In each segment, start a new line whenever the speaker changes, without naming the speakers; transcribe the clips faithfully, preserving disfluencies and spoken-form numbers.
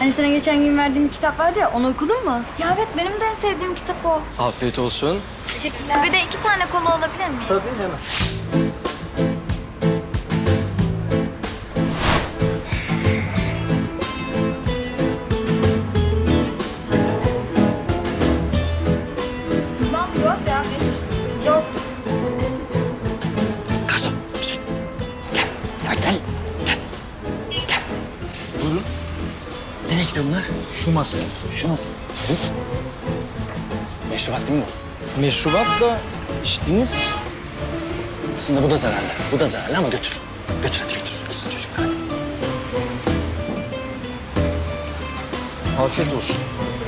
Hani sana geçen gün verdiğim bir kitap vardı ya, onu okudun mu? Ya evet, benim de en sevdiğim kitap o.
Afiyet olsun.
Teşekkürler. Bir de iki tane kola alabilir miyiz?
Tabii hemen.
Tamam, yok ya. Yok.
Garson. Şişt. Gel. Ya gel. Gel. Gel. Buyurun. Nereye gidiyor bunlar? Şu masaya. Şu masa. Evet. Meşrubat değil mi bu? Meşrubat da içtiniz. Aslında bu da zararlı. Bu da zararlı ama götür. Götür hadi götür. Gitsin çocuklar hadi. Afiyet olsun.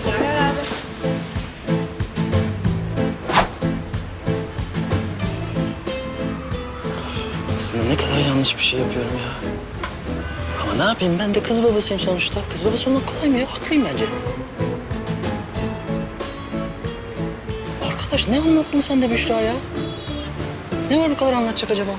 Aslında ne kadar yanlış bir şey yapıyorum ya. Ama ne yapayım, ben de kız babasıyım sonuçta. Kız babası olmak kolay mı ya? Haklıyım bence. Arkadaş ne anlattın sen de Büşra ya? Ne var bu kadar anlatacak acaba?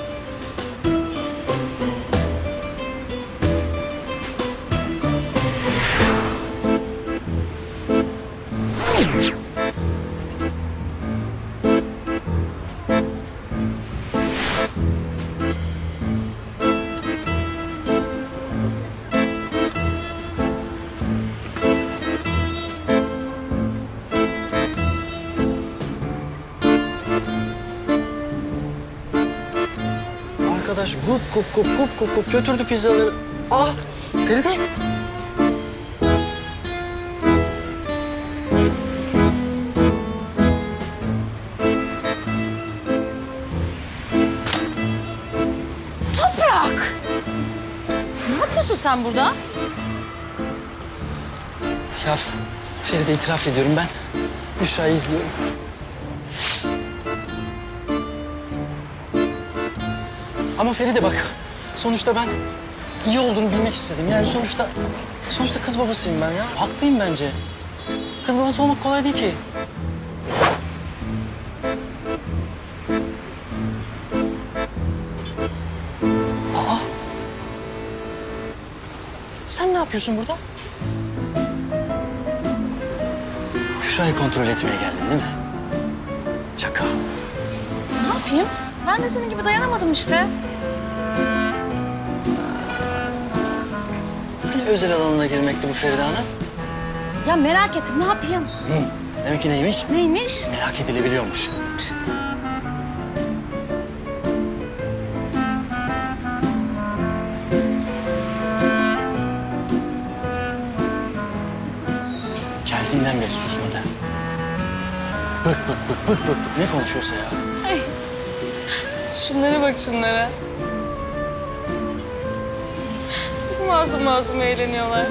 Arkadaş gup gup gup gup gup gup götürdü pizzaları. Ah Feride.
Toprak! Ne yapıyorsun sen burada?
Ya Feride, itiraf ediyorum, ben Büşra'yı izliyorum. Ama Feride bak, sonuçta ben iyi olduğunu bilmek istedim. Yani sonuçta, sonuçta kız babasıyım ben ya. Haklıyım bence. Kız babası olmak kolay değil ki. Aa! Sen ne yapıyorsun burada? Büşra'yı kontrol etmeye geldin değil mi? Çakal.
Ne yapayım? Ben de senin gibi dayanamadım işte.
Hani özel alanına girmekti bu Feride Hanım?
Ya merak ettim, ne yapayım?
Hı. Demek ki neymiş?
Neymiş?
Merak edilebiliyormuş. Geldiğinden beri susmadı. Bık bık bık bık bık bık ne konuşuyorsa ya.
Şunlara bak şunlara. Nasıl masum masum eğleniyorlar.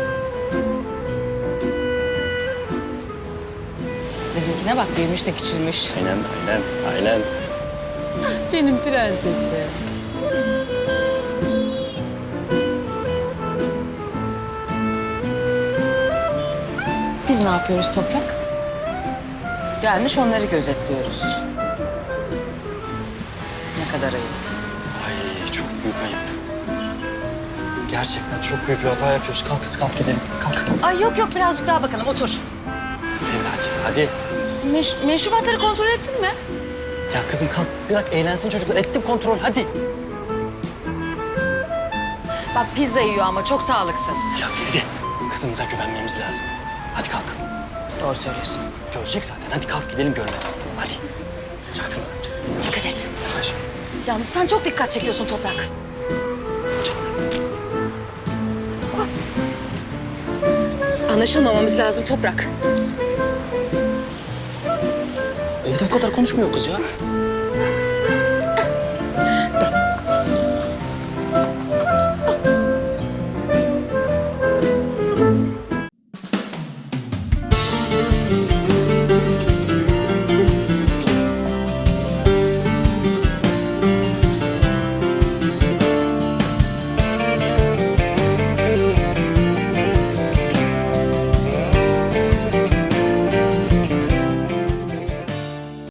Bizimkine bak, büyümüş de küçülmüş.
Aynen aynen aynen.
Benim prensesi. Biz ne yapıyoruz Toprak? Gelmiş onları gözetliyoruz. Ne kadar ayıp.
Ay çok büyük ayıp. Gerçekten çok büyük bir hata yapıyoruz. Kalk kız kalk gidelim. Kalk.
Ay yok yok, birazcık daha bakalım, otur.
Feride hadi hadi.
Meş meşrubatları kontrol ettin mi?
Ya kızım kalk bırak eğlensin çocuklar. Ettim kontrol hadi.
Bak pizza yiyor ama çok sağlıksız.
Ya Feride kızımıza güvenmemiz lazım. Hadi kalk.
Doğru söylüyorsun.
Görecek zaten. Hadi kalk gidelim görmeden. Hadi. Çaktırma.
Dikkat et.
Yavaş.
Yalnız sen çok dikkat çekiyorsun Toprak. Anlaşılmamamız lazım Toprak.
Evde bu kadar konuşmuyor kız ya.